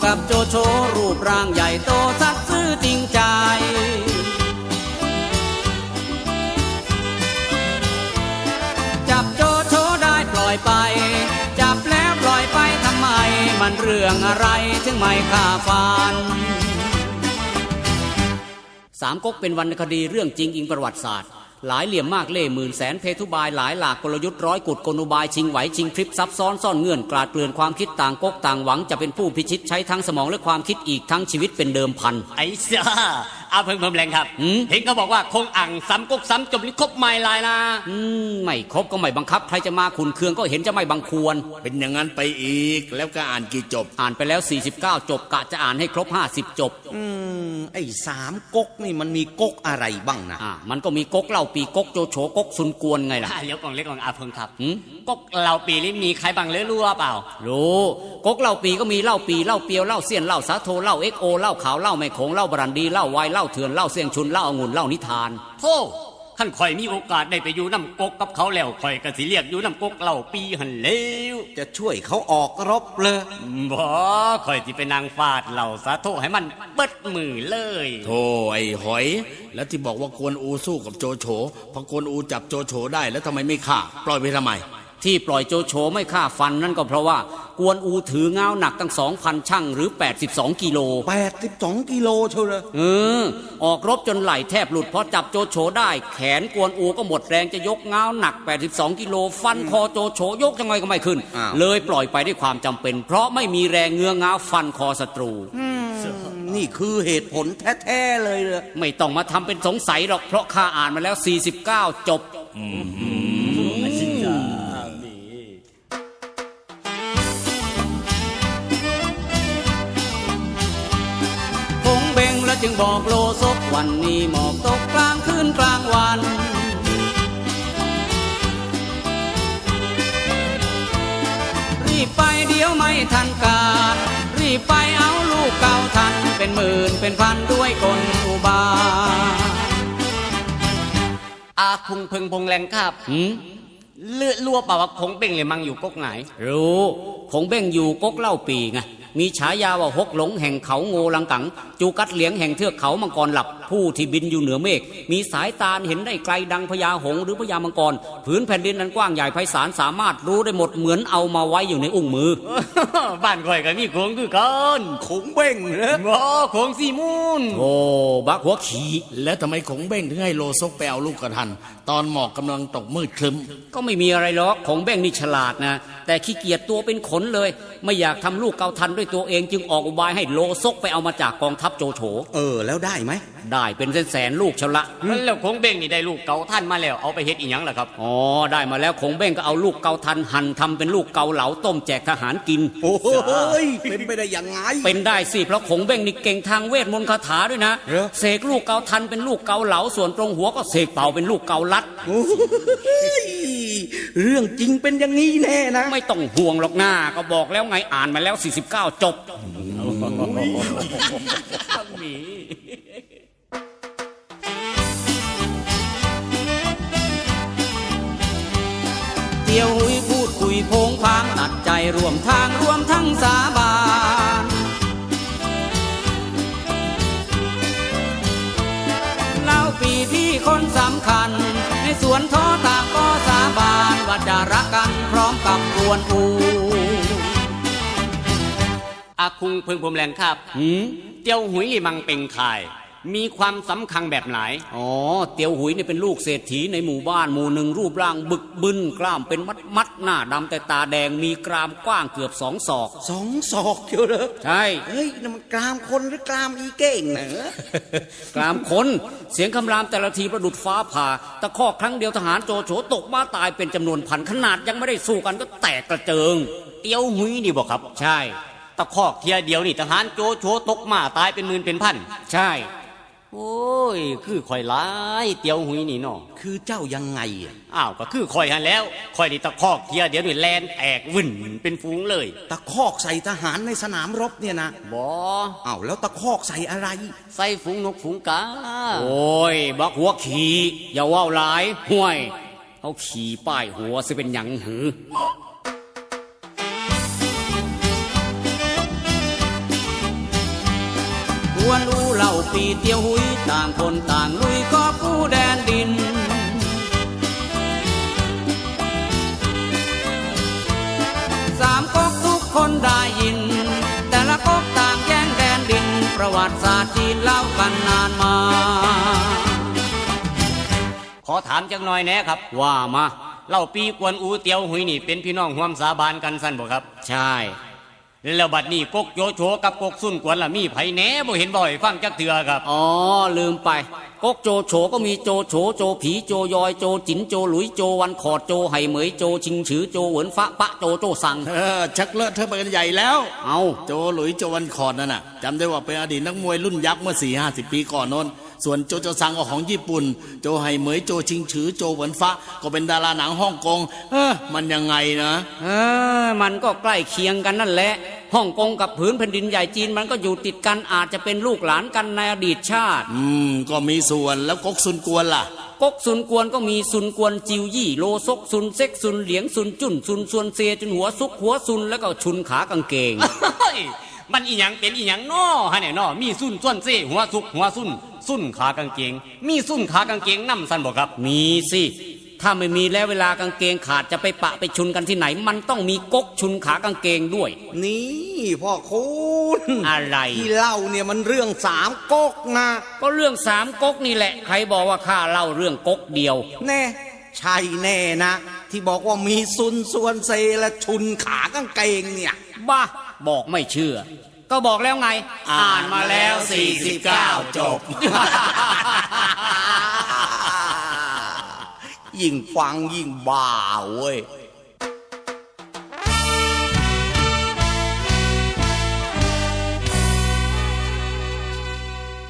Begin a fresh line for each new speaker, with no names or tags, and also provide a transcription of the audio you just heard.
กับโจโฉรูปร่างใหญ่โตสัตย์ซื่อจริงใจจับโจโฉได้ปล่อยไปจับแล้วปล่อยไปทำไมมันเรื่องอะไรถึงไม่ฆ่าฟันสามก๊กเป็นวรรณคดีเรื่องจริงอิงประวัติศาสตร์หลายเหลี่ยมมากเล่ห์หมื่นแสนเพทุบายหลายหลากกลยุทธ์ร้อยกุดกลอุบายชิงไหวชิงพริบซับซ้อนซ่อนเงื่อนกลาดเกลื่อนความคิดต่างก๊กต่างหวังจะเป็นผู้พิชิตใช้ทั้งสมองและความคิดอีกทั้งชีวิตเป็นเดิมพัน
ไอ้เสียเอาเพิ่งแรงครับเห็นเขาบอกว่าคงอ่างซ้ำก๊กซ้ำจบลิครบไม่ลายนะ
ไม่ครบก็ไม่บังคับใครจะมาขุนเคืองก็เห็นจะไม่บังควร
เป็นอย่างนั้นไปอีกแล้วก็อ่านกี่จบ
อ่านไปแล้ว49จบกะจะอ่านให้ครบ50จบ
ไอ้สามก๊กนี่มันมีก๊กอะไรบ้างนะ
มันก็มีก๊กเล่าปีก๊กโจโฉก๊กซุนกวนไงล่ะ
เดี๋ยวก่อนเล็กก่อนอาเพิ่งครับก๊กเล่าปีนี่มีใครบ้างรู้เปล่า
รู้ก๊กเล่าปีก็มีเล่าปีเล่าเปียวเล่าเสี้ยนเล่าสาโทเล่าเอ็กโอเล่าขาวเล่าแม่โขงเล่าบรันดีเล่าไวเล่าเถื่อนเล่าเสี่ยงชุนเล่าองุ่นเล่านิทาน
โธ่ท่านข่อยมีโอกาสได้ไปอยู่น้ำก๊กกับเขาแล้วข่อยก็สิเรียกอยู่น้ำก๊กเล่าปีหันเลว
จะช่วยเขาออกรบเลย
บ่ข่อยที่ไปนางฟาดเหล่าสาโทให้มันเบิดมือเลย
โธ่ไอ้หอยแล้วที่บอกว่ากวนอูสู้กับโจโฉพอกวนอูจับโจโฉได้แล้วทำไมไม่ฆ่าปล่อยไปทำไม
ที่ปล่อยโจโฉไม่ฆ่าฟันนั่นก็เพราะว่ากวนอูถือเงาหนักตั้ง 2,000 ชั่งหรือ82กิโล
82กิโลเชียวเลย
ออกรบจนไหล่แทบหลุดพอจับโจโฉได้แขนกวนอูก็หมดแรงจะยกเงาหนัก82กิโลฟันคอโจโฉยกยังไงก็ไม่ขึ้นเลยปล่อยไปด้วยความจำเป็นเพราะไม่มีแรงเงื้อเงาฟันคอศัตรู
นี่คือเหตุผลแท้ๆเลย
ไม่ต้องมาทำเป็นสงสัยหรอกเพราะข้าอ่านมาแล้ว49จบแล้วจึงบอกโลซกวันนี้หมอกตกกลางคืนกลางวันรีบไปเดี๋ยวไม่ทันการรีบไปเอาลูกเก่าทันเป็นหมื่นเป็นพันด้วยกลอุบาย
อาคุงพึงพงแรงครับเลือดรั่วเปล่าว่าคงเบ่งเลยมังอยู่ก๊กไหน
รู้คงเบ่งอยู่ก๊กเล่าปีไงมีฉายาว่าฮกหลงแห่งเขาโงลังกังจูกัดเหลียงแห่งเทือกเขามังกรหลับผู้ที่บินอยู่เหนือเมฆมีสายตาเห็นได้ไกลดังพญาหงส์หรือพญามังกรผืนแผ่นดินนั้นกว้างใหญ่ไพศาลสามารถรู้ได้หมดเหมือนเอามาไว้อยู่ในอุ้งมือ
บ้านข่อยก็มีโขงคือกัน
ขงเบ้งเหรอ
บ่โขงสีมูน
โอ้บักหัวขี่
แล้วทำไมขงเบ้งถึงให้โลซกไปเอาลูกกระทันตอนหมอกกำลังตกมืดครึ้ม
ก็ไม่มีอะไรหรอกขงเบ้งนี่ฉลาดนะแต่ขี้เกียจตัวเป็นขนเลยไม่อยากทำลูกเกาทันด้วยตัวเองจึงออกอุบายให้โลซกไปเอามาจากกองทัพโจโฉ
แล้วได้ไหม
ได้เป็นแสนลูกเชละ
แล้วคงเบ้งนี่ได้ลูกเกาทันมาแล้วเอาไปเฮ็ดอีหยังล่ะครับ
ได้มาแล้วคงเบ้งก็เอาลูกเกาทันหั่นทำเป็นลูกเกาเหลาต้มแจกทหารกิน
โอ้ยเป็นไปได้ยังไง
เป็นได้สิเพราะคงเบ้งนี่เก่งทางเวทมนต์คาถาด้วยนะเสกลูกเกาทันเป็นลูกเกาเหลาส่วนตรงหัวก็เสกเป่าเป็นลูกเกาลัด
เรื่องจริงเป็นอย่างนี้แน่นะ
ไม่ต้องห่วงหรอกหน้าก็บอกแล้วไงอ่านมาแล้ว49จบเที่ยวหุยพูดคุยโพงพางตัดใจรวมทางรวมทั้งสาบานเล่าปีที่คนสำคัญในสวนท้อตากก็สาบานว่าจะรักกันพร้อมกับกวนอู
อาคุงพึงพรมแรงครับเตียวหุยลี่มังเป็งคายมีความสำคัญแบบไหน
เตียวหุยนี่เป็นลูกเศรษฐีในหมู่บ้านหมู่หนึ่งรูปร่างบึกบึนกล้ามเป็นมัดหน้าดำแต่ตาแดงมีกรามกว้างเกือบ2 ศอก
2 ศอกเชียวเหรอ
ใช่
เฮ้ยนั่นมันกรามคนหรือกรามอีเก่งเหร
อกรามคนเสียงคำรามแต่ละทีประดุจฟ้าผ่าตะคอกครั้งเดียวทหารโจโฉตกมาตายเป็นจำนวนพันขนาดยังไม่ได้สู้กันก็แตกกระเจิง
เตียวหุยนี่บอกครับ
ใช่
ตะคอกเทียเดียวนี่ทหารโจโฉตกมาตายเป็นหมื่นเป็นพัน
ใช่
โอ้ยคือข่อยร้ายเตียวหุยนี่เนาะ
คือเจ้ายังไง
ก็คือข่อยหันแล้วข่อยนี่ตะคอกเทียเดียวนี่แลนแตกวุ่นเป็นฝูงเลย
ตะคอกใส่ทหารในสนามรบเนี่ยนะ
บ่
แล้วตะคอกใส่อะไร
ใส่ฝูงนกฝูงกา
โอ้ยบักหัวขี่อย่าว่าวหลายห่วยเอาขี่ป้ายหัวสิเป็นหยังหือวนอูเล่าปีเตียวหุยต่างคนต่างลุยก็ผู้แดนดินสามก๊กทุกคนได้ยินแต่ละก๊กต่างแย่งแดนดินประวัติศาสตร์จีนเล่ากันนานมา
ขอถามจังหน่อยแหน่ครับ
ว่ามา
เล่าปีกวนอูเตียวหุยนี่เป็นพี่น้องร่วมสาบานกันสั้นบ่ครับ
ใช่
แล้วบัดนี้กกโจโฉกับกกซุ่นกวนล่ะมีไผแหน่บ่เห็นบ่อยฟังจักเถื่อครับ
อ๋อลืมไปก๊กโจโฉก็มีโจโฉโจผีโจยอยโจจินโจหลุยโจวันขอดโจไหเหมยโจชิงฉือโจเหวินฟ้าปะโจโจสัง
ชักเลอะเทอะไปกันใหญ่แล้ว
เอา
โจหลุยโจวันคอร์ดนั่นน่ะจำได้ว่าเป็นอดีตนักมวยรุ่นยักษ์เมื่อ 4-50 ปีก่อนโน้นส่วนโจโจซังก็ของญี่ปุ่นโจไหเหมยโจชิงฉือโจเหวินฟ้าก็เป็นดาราหนังฮ่องกงมันยังไงนะ
มันก็ใกล้เคียงกันนั่นแหละฮ่องกงกับผืนแผ่นดินใหญ่จีนมันก็อยู่ติดกันอาจจะเป็นลูกหลานกันในอดีตชาติ
ก็มีส่วนแล้วก๊กซุนกวนล่ะ
ก๊กซุนกวนก็มีซุนกวนจิวยี่โลซกซุนเซ็กซุนเหลียงซุนจุ่นซุนซวนเซจนหัวซุกหัวซุนแล้วก็ชุนขากางเกง
เฮ้ยมันอีหยังเป็นอีหยังน้อฮะเนี่ยน้อมีซุ่นส่วนเซ่หัวสุกหัวซุ่นซุ่นขากางเกง มีซุ่นขากางเกงนำสั้นบ่ครับ
มีสิถ้าไม่มีแล้วเวลากางเกงขาดจะไปปะไปชุนกันที่ไหน มันต้องมีก๊กชุนขากางเกงด้วย
นี่พ่อคุณ
อะไร
ที่เล่าเนี่ยมันเรื่องสามก๊กนะ
ก็เรื่องสามก๊กนี่แหละใครบอกว่าข้าเล่าเรื่องก๊กเดียว
แน่ใช่แน่นะ ที่บอกว่ามีซุนส่วนเซและชุนขากางเกงเนี่ย
บ้าบอกไม่เชื่อ ก็บอกแล้วไง อ่านมาแล้ว
49 จบ
ยิ่งฟังยิ่งบ้าเว้ย